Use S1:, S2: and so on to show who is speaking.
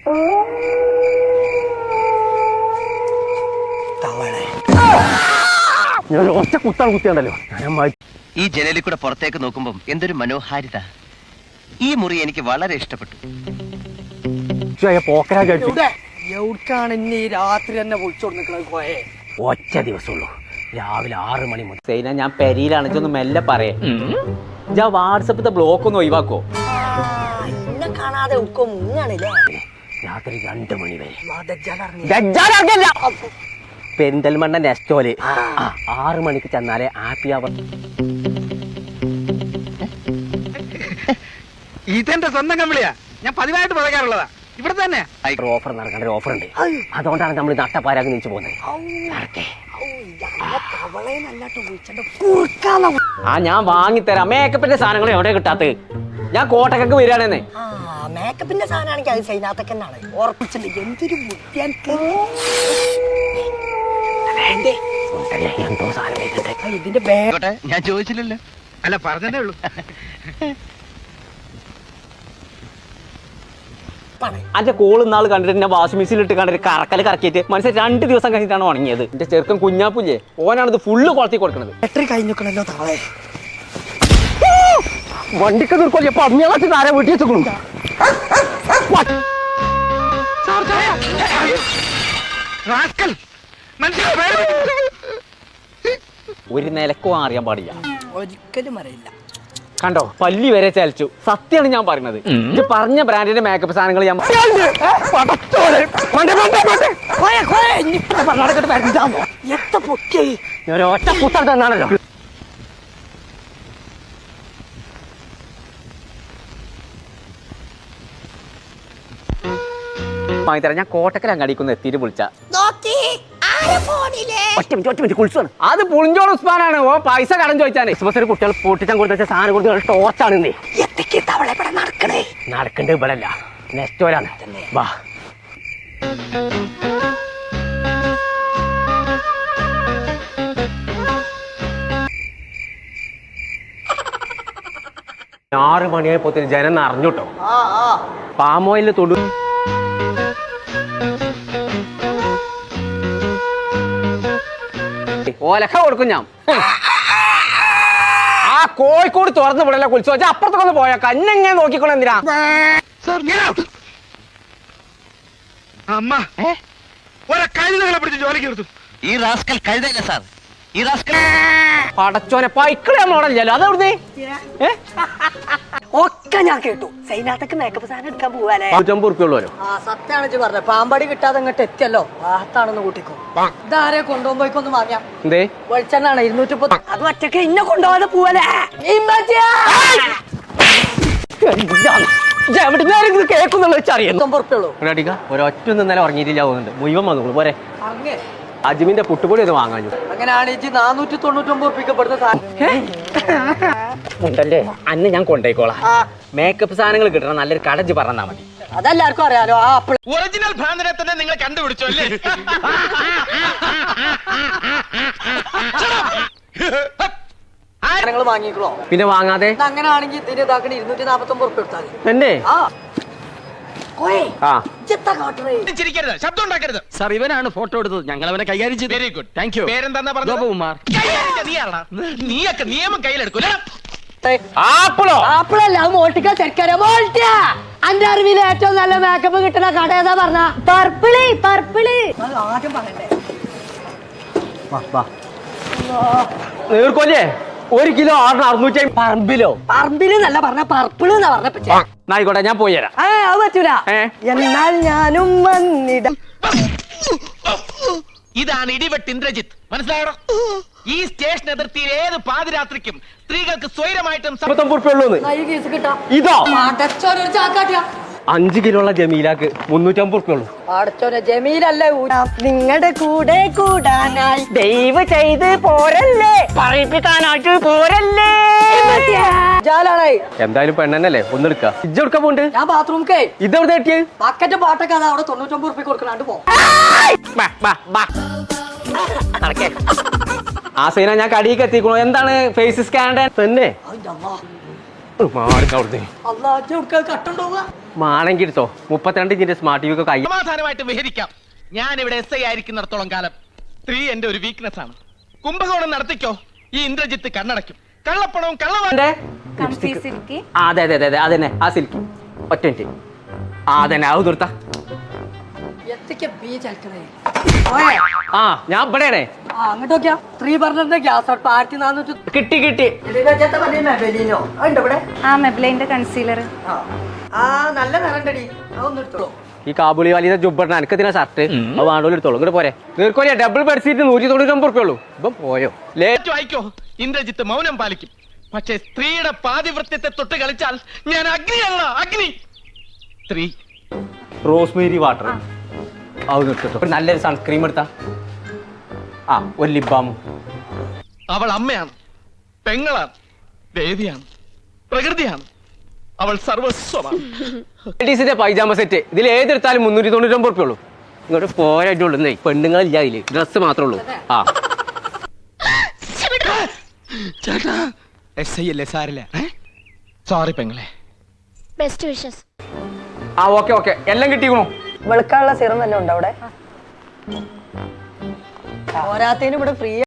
S1: ഞാൻ ഒറ്റ കുത്താണ് കുത്തിയാണ്ടല്ലോ.
S2: ഈ ജനലിൽ കൂടെ പുറത്തേക്ക് നോക്കുമ്പോൾ എന്തൊരു മനോഹാരിത. ഈ മുറി എനിക്ക് വളരെ ഇഷ്ടപ്പെട്ടു.
S3: രാത്രി തന്നെ വിളിച്ചോണ്ട്
S1: ഒറ്റ ദിവസമുള്ളൂ, രാവിലെ 6 മണി മുതൽ.
S4: സൈന, ഞാൻ പെരിയിലാണ്, ഇതൊന്ന് മെല്ലെ പറയേ. ഞാൻ വാട്സപ്പിത്തെ ബ്ലോക്ക് ഒന്ന് ഒഴിവാക്കോ?
S3: എന്നെ കാണാതെ മുങ്ങാണില്ലേ?
S1: രാത്രി 2 മണി വരെ. പെരിന്തൽമണ്ണ നെസ്റ്റോല് 6 മണിക്ക് ചെന്നാലേ ഹാപ്പി അവർ.
S5: ഇതെന്റെ സ്വന്തം കമ്പിളിയാ, ഞാൻ പതിവായിട്ട് പറയാറുള്ളതാ. ഇവിടെ തന്നെ
S1: ഓഫർ നടക്കേണ്ട ഒരു ഓഫർ ഉണ്ട്. അതുകൊണ്ടാണ് നമ്മൾ നട്ടപ്പാരാക്കി നിൽച്ചു പോകുന്നത്.
S4: ഞാൻ വാങ്ങിത്തരാം. മേക്കപ്പിന്റെ സാധനങ്ങൾ എവിടെ കിട്ടാത്ത? ഞാൻ കോട്ടക്കൊക്കെ വരികയാണെന്നേ.
S3: മേക്കപ്പിന്റെ സാധനമാണെങ്കിൽ അത് സൈനാത്തക്കന്നാണ് ഉറപ്പിച്ചിട്ടുണ്ട്. എന്തൊരു ബുദ്ധിയാൻക്ക്.
S1: എന്തോ സാധനം
S3: ഇതിന്റെ
S2: ഞാൻ ചോദിച്ചില്ലല്ലോ.
S5: അല്ല, പറഞ്ഞതേ ഉള്ളൂ.
S4: അന്റെ കോള് നാൾ കണ്ടിട്ട് എന്നെ വാഷിംഗ് മെഷീനിലിട്ട് കണ്ടിട്ട് കറക്കല് കറക്കിയിട്ട് മനസ്സിൽ 2 ദിവസം കഴിഞ്ഞിട്ടാണ് ഉണങ്ങിയത്. എന്റെ ചെറുക്കൻ കുഞ്ഞാപ്പുല്ലേ, ഓനാണിത് ഫുള്ള് കൊളത്തി കൊടുക്കണത്.
S3: ബാറ്ററി കഴിഞ്ഞിക്കണല്ലോ താളെ.
S1: വണ്ടിക്ക് നിർക്കൊല്ലി പന്നിയാളാച്ച് താരെ വീട്ടിൽ വെച്ചു.
S4: ഒരു നിലക്കും അറിയാൻ പാടില്ല.
S3: ഒരിക്കലും അറിയില്ല.
S4: കണ്ടോ, പല്ലി വരെ ചലിച്ചു. സത്യമാണ് ഞാൻ പറയുന്നത്. ഇത് പറഞ്ഞ ബ്രാൻഡിന്റെ മേക്കപ്പ് സാധനങ്ങൾ ഞാൻ
S1: ഒറ്റ പുസ്തകം തന്നാണല്ലോ.
S4: വാങ്ങിത്തരാം. ഞാൻ കോട്ടക്കൽ അങ്ങാടിക്കൊന്ന് എത്തിയിട്ട് വിളിച്ച
S1: ഒറ്റ മിനിറ്റ് കുളിച്ചാണ്.
S4: അത് പുളിഞ്ചോട് ഉസ്മാനാണ്. ഓ പൈസ കടം ചോദിച്ചാണ്.
S1: ക്രിസ്മസിന് കുട്ടികൾ പൊട്ടിച്ചാൻ കൊടുത്ത സാധനം കൊടുത്ത് ടോർച്ചാണ്
S3: നടക്കണേ.
S1: നടക്കണ്ടേ ഇവിടെ അല്ല, നെസ്റ്റോലാണ്. വാ. ആറ് മണിയായപ്പോ ജനം അറിഞ്ഞുട്ടോ. പാമോയില് തൊടു
S4: ഓലക്ക കൊടുക്കും ഞാൻ. ആ കോഴിക്കോട് തുറന്ന് വിടല കുളിച്ചു വെച്ചാൽ അപ്പുറത്തൊക്കെ പോയാ കന്നെങ്ങനെ നോക്കിക്കോളെ. എന്തിനാ
S5: അമ്മ കഴുതകളെ പിടിച്ച് ജോലിക്ക് നിർത്തും.
S2: ഈ റാസ്കൽ കഴുതല്ല സാർ, ഈ റാസ്കൽ
S4: പടച്ചോനെ പൈക്കളെ മോഡല്ലോ. അതെവിടുന്നേ
S3: ഒക്കെ ഞാൻ കേട്ടു. സൈനാത്തക്ക് മേക്കപ്പ് സാധനം എടുക്കാൻ പോവാലേ.
S1: 150 ഉറുപ്പിയുള്ളൂ.
S3: സത്യാണെന്ന് പറഞ്ഞത്. പാമ്പാടി കിട്ടാതെ അങ്ങോട്ട് എത്തിയല്ലോ. വാഹത്താണെന്ന് കൂട്ടിക്കോ. ഇതാരെ കൊണ്ടുപോകുമ്പോയിക്കൊന്ന് വാങ്ങിയാ
S4: എന്തേ
S3: വെളിച്ചെണ്ണാണ് 230. അത് ഒറ്റക്ക് ഇന്നെ കൊണ്ടുപോകാതെ പോവല്ലേ.
S4: കേൾക്കുന്നുള്ള വെച്ചറിയാം.
S3: 50 ഉറുപ്പിയുള്ളൂ.
S1: ഒരൊറ്റ ഇന്നലെ ഉറങ്ങിയിട്ടില്ല പോകുന്നുണ്ട്. മുഴുവൻ വന്നു പോരെ. അജ്മിന്റെ പുട്ടുപൊടി ഒന്ന് വാങ്ങാഞ്ഞു.
S3: അങ്ങനെയാണെങ്കിൽ 499 ഉറുപ്പിക്കപ്പെടുന്ന
S4: ഉണ്ടല്ലേ. അന്ന് ഞാൻ കൊണ്ടേക്കോളാം. മേക്കപ്പ് സാധനങ്ങൾ കിട്ടണം. നല്ലൊരു കടജ് പറഞ്ഞാ മതി.
S3: അതെല്ലാവർക്കും അറിയാലോ. ആ
S5: ഒറിജിനൽ ഭ്രാന്തനെ തന്നെ നിങ്ങൾ കണ്ടുപിടിച്ചോ അല്ലേ?
S3: സാധനങ്ങൾ വാങ്ങിക്കോ.
S4: പിന്നെ വാങ്ങാതെ
S3: അങ്ങനെയാണെങ്കിൽ ഇതിന് ഇതാക്കണ 249 ഉറുപ്പിക എടുത്താൽ
S4: എന്നെ.
S5: ശബ്ദം ഉണ്ടാക്കരുത്
S2: സാർ. ഇവനാണ് ഫോട്ടോ എടുത്തത്, ഞങ്ങൾ അവനെ കൈകാര്യം ചെയ്തു.
S5: Very good, thank you. പേരെന്താ പറഞ്ഞത്?
S2: ഗോപകുമാർ.
S5: നീയൊക്കെ നിയമം കയ്യിലെടുക്കൂല.
S4: ആപ്പിളോ?
S3: ആപ്പിളല്ല, അത് മോൾട്ടിക്ക ചെറുക്കര. മോൾട്ട അന്റെ അറിവിൽ ഏറ്റവും നല്ല മേക്കപ്പ് കിട്ടുന്ന കട ഏതാ പറഞ്ഞ? പർപ്പിള്. ആദ്യം പറയണ്ടേ.
S4: നീർക്കൊല്ലേ 1 കിലോ 650.
S3: പറമ്പില് എന്നല്ല പറഞ്ഞ, പർപ്പിള് എന്നാ പറഞ്ഞ.
S4: ആയിക്കോട്ടെ, ഞാൻ പോയി തരാം.
S3: അത് പറ്റൂല. എന്നാൽ ഞാനും വന്നിടം.
S5: ഇതാണ് ഇടിവെട്ട് ഇന്ദ്രജിത്ത്, മനസ്സിലായോ? ഈ സ്റ്റേഷൻ അതിർത്തിയിൽ ഏത് പാതിരാത്രിക്കും സ്ത്രീകൾക്ക് സ്വൈരമായിട്ടും
S1: 50 ഉറുപ്പിയുള്ളൂ.
S4: ഇതോ
S3: അടച്ചോനൊരു ചാക്കാട്ടിയ
S1: 5 കിലോ ഉള്ള ജമീലാക്ക് 350 ഉറുപ്പിയുള്ളൂ.
S3: അടച്ചോനെ ജമീലല്ലേ. നിങ്ങളുടെ കൂടെ കൂടാനായി
S4: ദയവ് ചെയ്ത് പോരല്ലേ, പറയിപ്പിക്കാനായിട്ട് പോരല്ലേ.
S1: എന്തായാലും പെണ്ണല്ലേ, ഒന്നെടുക്ക. ഇജ്ജ് എടുക്കാൻ പോണ്ട്.
S3: ഞാൻ ബാത്റൂംക്കേ.
S1: ഇതെവിടെ എത്തിയ
S3: ബക്കറ്റ് പാട്ടൊക്കെ അതാ അവിടെ 99 ഉറുപ്പിക കൊടുക്കണാണ്ട് പോ.
S4: ആ സീന ഞാൻ കടിയൊക്കെ എത്തിക്കണു. എന്താണ് ഫേസ് സ്കാൻ തന്നെ?
S1: മാണെങ്കിൽ എടുത്തോ 32 ഇഞ്ചിന്റെ സ്മാർട്ട് ടി വി കൈ
S5: സമാധാനമായിട്ട് വിഹരിക്കാം. ഞാൻ ഇവിടെ എസ് ഐ ആയിരിക്കുന്നിടത്തോളം കാലം സ്ത്രീ എന്റെ ഒരു വീക്ക്നെസ് ആണ്. കുംഭകോണം നടത്തിക്കോ, ഈ ഇന്ദ്രജിത്ത് കണ്ണടയ്ക്കും. കള്ളപ്പണവും കള്ളവാന്റെ
S4: അതെ അതെ അതെ അതെ അതന്നെ ആ സിൽക്ക് ഒറ്റ മിനിറ്റ് അതന്നെ അത് നിർത്താ ആ ഞാൻ ഇവിടെയാണേ
S3: അങ്ങോട്ട് നോക്കിയാ 3 ബർണറിന്റെ ഗ്യാസ് അടുപ്പ് 1400
S4: കിട്ടി കിട്ടി
S6: ആ മെബ്ലൈന്റെ കൺസീലർ
S3: നല്ല നിറണ്ടടി അതൊന്നും എടുത്തോളൂ.
S1: ഈ കാബുളി വലിയ ജുബിട എനിക്കതിനാ ഷർട്ട് അത് വേണ്ടോലും എടുത്തോളൂ ഇങ്ങോട്ട് പോരെ നീർക്കോലിയ ഡബിൾ ബെഡ്ഷീറ്റ് 199 ഉറുപ്പിയുള്ളൂ ഇപ്പം പോയോ
S5: ഏറ്റവും വായിക്കോ, ഇന്ദ്രജിത്ത് മൗനം പാലിക്കും. പക്ഷേ സ്ത്രീയുടെ പാതിവൃത്യത്തെ തൊട്ട് കളിച്ചാൽ ഞാൻ അഗ്നിയല്ല, അഗ്നി. സ്ത്രീ
S4: റോസ്മേരി വാട്ടർ അത് നിർത്തിട്ടോ ഒരു നല്ലൊരു സൺസ്ക്രീം എടുത്താ ആ ഒരു ലിപ് ബാമും
S5: അവൾ അമ്മയാണ്, പെങ്ങളാണ്, ദേവിയാണ്, പ്രകൃതിയാണ്. അവൾ സർവസ്വമാണ്.
S1: ലേഡീസിന്റെ പൈജാമ സെറ്റ് ഇതിൽ ഏതെടുത്താലും 399 ഉറുപ്പിയുള്ളൂ. ഇങ്ങോട്ട് പോരായിട്ടുള്ളൂ പെണ്ണുങ്ങളില്ല അതില് ഡ്രസ്സ് മാത്രമേ ഉള്ളൂ. ആ
S5: ചേട്ടാ എസ് ഐ അല്ലേ, സാരില്ല. സോറി പെങ്ങളെ.
S6: Best wishes.
S4: ആ ഓക്കെ ഓക്കെ എല്ലാം കിട്ടിക്കണോ
S3: വെളുക്കാനുള്ള സിറം വല്ലതും ഉണ്ടോ അവിടെ? പോരാത്തതിന് ഇവിടെ ഫ്രീ